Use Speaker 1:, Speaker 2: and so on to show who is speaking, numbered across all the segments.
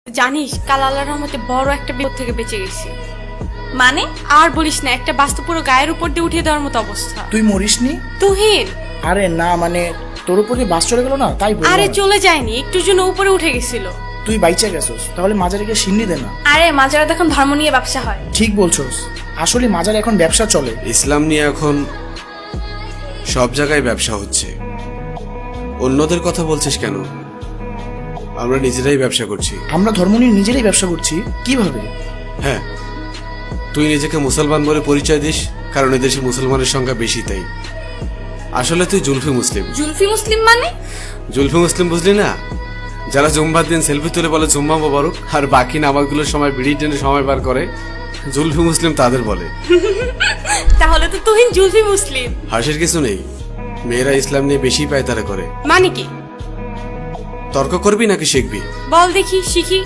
Speaker 1: জানিস কাল আল্লাহর রহমতে বড় একটা বিপদ থেকে বেঁচে গেছি।
Speaker 2: মানে?
Speaker 1: আর বলিস না, একটা বাস্তু পুরো গায়ের উপর দিয়ে উঠিয়ে দেওয়ার মতো অবস্থা।
Speaker 3: তুই মরিসনি?
Speaker 1: তুহিন,
Speaker 3: আরে না, মানে তোর উপরে বাস চলে গেল না, তাই বললাম।
Speaker 1: আরে চলে যায়নি, একটু জন্য উপরে উঠে গেছিল।
Speaker 3: তুই বাইচা গেছস, তাহলে মাজারে গিয়ে সিন্নি দে না।
Speaker 2: আরে মাজারাত এখন ধর্ম নিয়ে ব্যবসা হয়।
Speaker 3: ঠিক বলছস, আসলে মাজারে এখন ব্যবসা চলে।
Speaker 4: ইসলাম নিয়ে এখন সব জায়গায় ব্যবসা হচ্ছে। অন্যদের কথা বলছিস কেন? আমরা নিজেরাই ব্যবসা করছি।
Speaker 3: আমরা ধর্ম নিয়ে নিজেরাই ব্যবসা করছি? কিভাবে?
Speaker 4: হ্যাঁ, তুই নিজেকে মুসলমান বলে পরিচয় দিস কারণ এদেশে মুসলমানের সংখ্যা বেশি, তাই। আসলে তুই জুলফি মুসলিম।
Speaker 2: জুলফি মুসলিম মানে?
Speaker 4: জুলফি মুসলিম বুঝলি না? যারা জুম্বার দিন সেলফি তুলে বলে জুম্মা মোবারক, আর বাকি নামাজগুলোর সময় বিড়ি টেনে সময় পার করে, জুলফি মুসলিম তাদের বলে।
Speaker 1: তাহলে তো তুহিন জুলফি মুসলিম।
Speaker 4: হাসির কিছু নেই, মেয়েরা ইসলাম নিয়ে বেশি পায়তারা করে।
Speaker 1: মানে কি?
Speaker 4: তর্ক করবি নাকি শিখবি?
Speaker 1: বল দেখি, শিখি।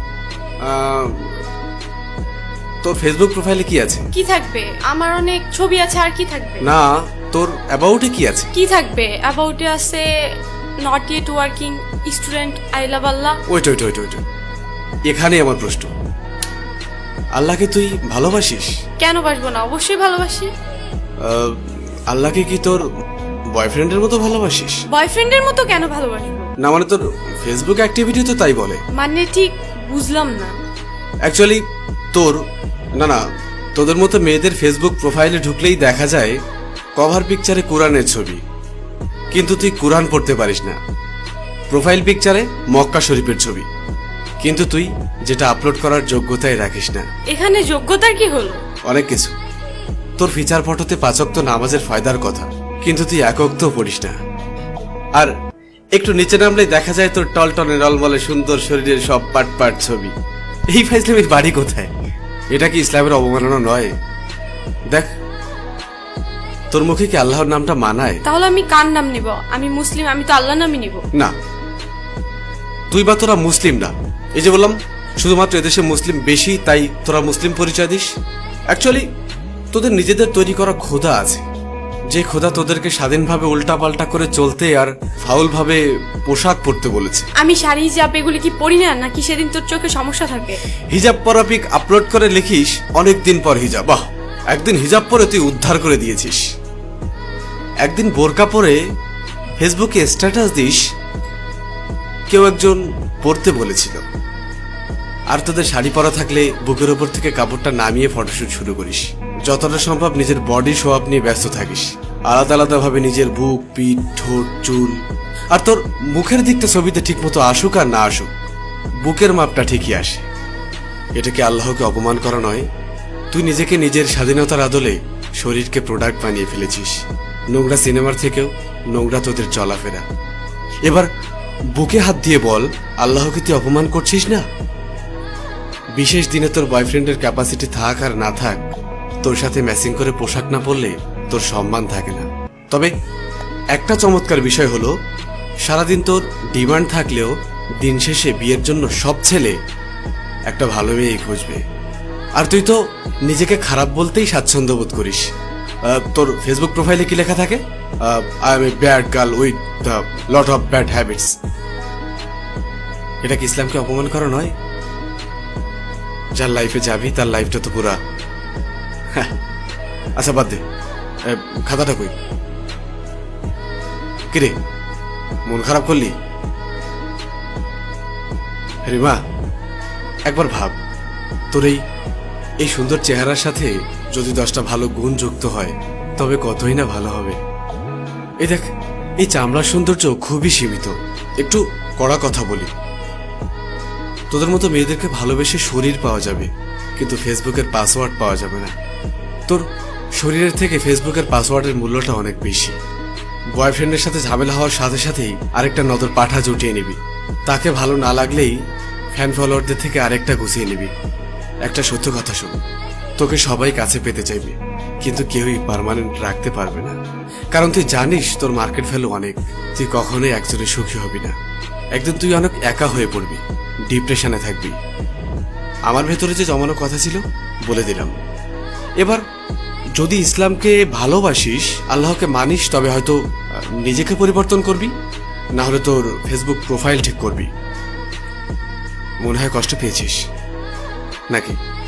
Speaker 4: তোর ফেসবুক প্রোফাইলে কি আছে?
Speaker 1: কি থাকবে? আমার অনেক ছবি আছে, আর কি থাকবে?
Speaker 4: না, তোর অ্যাবাউটে কি আছে?
Speaker 1: কি থাকবে? অ্যাবাউটে আছে not yet working student, I love Allah.
Speaker 4: Wait, এখানেই আমার প্রশ্ন। আল্লাহকে তুই ভালোবাসিস?
Speaker 1: কেন বাসবো না, অবশ্যই ভালোবাসি।
Speaker 4: আল্লাহকে কি তোর বয়ফ্রেন্ডের মতো ভালোবাসিস?
Speaker 1: বয়ফ্রেন্ডের মতো কেন ভালোবাসবো?
Speaker 4: না মানে তোর ফেসবুক অ্যাক্টিভিটি তো তাই বলে।
Speaker 1: মানে ঠিক বুঝলাম না।
Speaker 4: অ্যাকচুয়ালি তোর না তোদের মতো মেয়েদের ফেসবুক প্রোফাইলে ঢুকলেই দেখা যায় কভার পিকচারে কোরআনের ছবি, কিন্তু তুই কোরআন পড়তে পারিস না। প্রোফাইল পিকচারে মক্কা শরীফের ছবি, কিন্তু তুই যেটা আপলোড করার যোগ্যতাই রাখিস না।
Speaker 1: এখানে যোগ্যতার কি হলো?
Speaker 4: অনেক কিছু। তোর ফিচার ফটোতে 5 ওয়াক্ত নামাজের ফায়দার কথা, কিন্তু তুই 1 ওয়াক্তও পড়িস না। আর একটু নিচে নামলেই দেখা যায় তোর টলটনে রলমলে সুন্দর শরীরের সব পাট পাট ছবি। এই ফাইজলামের বাড়ি কোথায়? এটা কি ইসলামের অবমাননা নয়? দেখ, তোর মুখে কি আল্লাহর নামটা মানায়?
Speaker 1: তাহলে আমি কার নাম নিব? আমি মুসলিম, আমি তো আল্লাহ নামই নিব।
Speaker 4: না, তুই বা তোরা মুসলিম না। এই যে বললাম, শুধুমাত্র এদেশে মুসলিম বেশি তাই তোরা মুসলিম পরিচয় দিস। অ্যাকচুয়ালি তোদের নিজেদের তৈরি করা খোদা আছে, যে খোদা তোদেরকে স্বাধীনভাবে উল্টাপাল্টা করে চলতে আর ফাউল ভাবে পোশাক পরতে বলেছে।
Speaker 1: আমি শাড়ি হিজাব এগুলি কি পরি না, নাকি সেদিন তোর চোখে সমস্যা থাকে?
Speaker 4: হিজাব পরা পিক আপলোড করে লিখিস অনেক দিন পর হিজাব। বাহ, একদিন হিজাব পরে তুই উদ্ধার করে দিয়েছিস। একদিন বোরকা পরে ফেসবুকে স্ট্যাটাস দিস কেউ একজন পড়তে বলেছিল। আর তোদের শাড়ি পরা থাকলে বুকের উপর থেকে কাপড়টা নামিয়ে ফটোশুট শুরু করিস। যতটা সম্ভব নিজের বডি শো আপ নিয়ে ব্যস্ত থাকিস, আলাদা আলাদা ভাবে নিজের বুক, পিঠ, ঠোঁট, চুল। আর তোর মুখের দিকটা ছবিতে ঠিক মতো আসুক আর না আসুক, বুকের মাপটা ঠিকই আসে। এটাকে আল্লাহকে অপমান করা নয়? তুই নিজেকে নিজের স্বাধীনতার আদলে শরীরকে প্রোডাক্ট বানিয়ে ফেলেছিস। নোংরা সিনেমার থেকেও নোংরা তোদের চলাফেরা। এবার বুকে হাত দিয়ে বল, আল্লাহকে তুই অপমান করছিস না? বিশেষ দিনে তোর বয়ফ্রেন্ডের ক্যাপাসিটি থাক আর না থাক, তোর সাথে ম্যাচিং করে পোশাক না পরলে তোর সম্মান থাকে না। তবে একটা চমৎকার বিষয় হলো, সারাদিন তোর ডিমান্ড থাকলেও দিন শেষে বিয়ের জন্য সব ছেলে একটা ভালো মেয়েই খুঁজবে। আর তুই তো নিজেকে খারাপ বলতেই স্বাচ্ছন্দ্য বোধ করিস। তোর ফেসবুক প্রোফাইলে কি লেখা থাকে? I am a bad girl with the lot of bad habits. এটা কি ইসলামকে অপমান করা নয়? যার লাইফে যাবি তার লাইফটা তো পুরা। আচ্ছা বাদ দে, খাতাটা কই? কিরে, মন খারাপ করলি? রিমা, একবার ভাব, তোর এই সুন্দর চেহারার সাথে যদি 10টা ভালো গুণ যুক্ত হয় তবে কতই না ভালো হবে। এই দেখ, এই চামড়ার সৌন্দর্য খুবই সীমিত। একটু কড়া কথা বলি, তোদের মতো মেয়েদেরকে ভালোবেসে শরীর পাওয়া যাবে, কিন্তু ফেসবুকের পাসওয়ার্ড পাওয়া যাবে না। তোর শরীরের থেকে ফেসবুকের পাসওয়ার্ডের মূল্যটা অনেক বেশি। বয়ফ্রেন্ডের সাথে ঝামেলা হওয়ার সাথে সাথেই আরেকটা নজর পাঠা জুটিয়ে নিবি। তাকে ভালো না লাগলেই ফ্যান ফলোয়ারদের থেকে আরেকটা গুছিয়ে নিবি। একটা সত্য কথা শোন, তোকে সবাই কাছে পেতে চাইবে, কিন্তু কেউই পার্মানেন্ট রাখতে পারবে না। কারণ তুই জানিস তোর মার্কেট ভ্যালু অনেক। তুই কখনোই একজনে সুখী হবি না। একদিন তুই অনেক একা হয়ে পড়বি, ডিপ্রেশনে থাকবি। আমার ভেতরে যে জমানো কথা ছিল বলে দিলাম। এবার যদি ইসলামকে ভালোবাসিস, আল্লাহকে মানিস, তবে হয়তো নিজেকে পরিবর্তন করবি, না হলে তোর ফেসবুক প্রোফাইল ঠিক করবি। মনে হয় কষ্ট পেয়েছিস নাকি?